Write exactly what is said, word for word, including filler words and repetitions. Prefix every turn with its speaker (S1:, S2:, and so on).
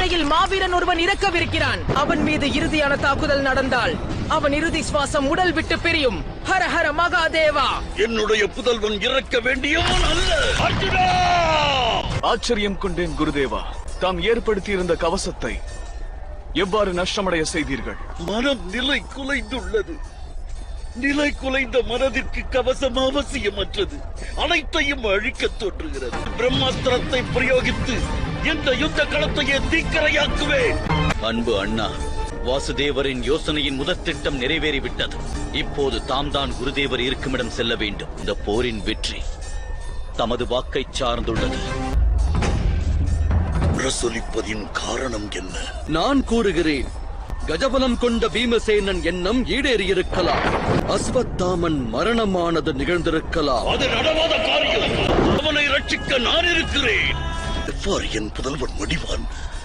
S1: இடையில் மாவீரன் ஒருவன் இறக்கவிருக்கிறான். அவன் மீது இறுதியான தாக்குதல் நடந்தால் அவன் இறுதி சுவாசம் உடல் விட்டு பிரியும். ஹர ஹர மகாதேவா.
S2: என்னுடைய புதல்வன் இறக்க வேண்டியவன் அல்ல. அர்ஜுனா!
S3: ஆச்சரியம் கொண்டேன் குருதேவா. தாம் ஏற்படுத்தியிருந்த கவசத்தை எவ்வாறு நஷ்டமடைய செய்தீர்கள்?
S2: மனம் நிலை குலைந்துள்ளது. நிலை குலைந்த மனதிற்கு கவசம் அவசியமற்றது. அனைத்தையும் அழிக்கத் தோன்றுகிறது. பிரம்மாஸ்திரத்தை பிரயோகித்து இந்த யுத்த களத்தையே தீக்கரையாக்குவேன். அன்பு அண்ணா, வாசுதேவரின் யோசனையின் முதற் திட்டம் நிறைவேறிவிட்டது. இப்போது தாம் தான் குருதேவர் இருக்குமிடம் செல்ல வேண்டும். இந்த போரின் வெற்றி தமது வாக்கை சார்ந்துள்ளது. பிரசொலிப்பதின் காரணம் என்ன?
S4: நான் கூறுகிறேன். கஜபலம் கொண்ட பீமசேனன் எண்ணம் ஈடேறியிருக்கலாம். அஸ்வத்தாமன் மரணமானது நிகழ்ந்திருக்கலாம்.
S2: அது நடவாத காரியம். அவனை ரட்சிக்க நான் இருக்கிறேன். எவ்வாறு என் புதல்வன் மடிவான்?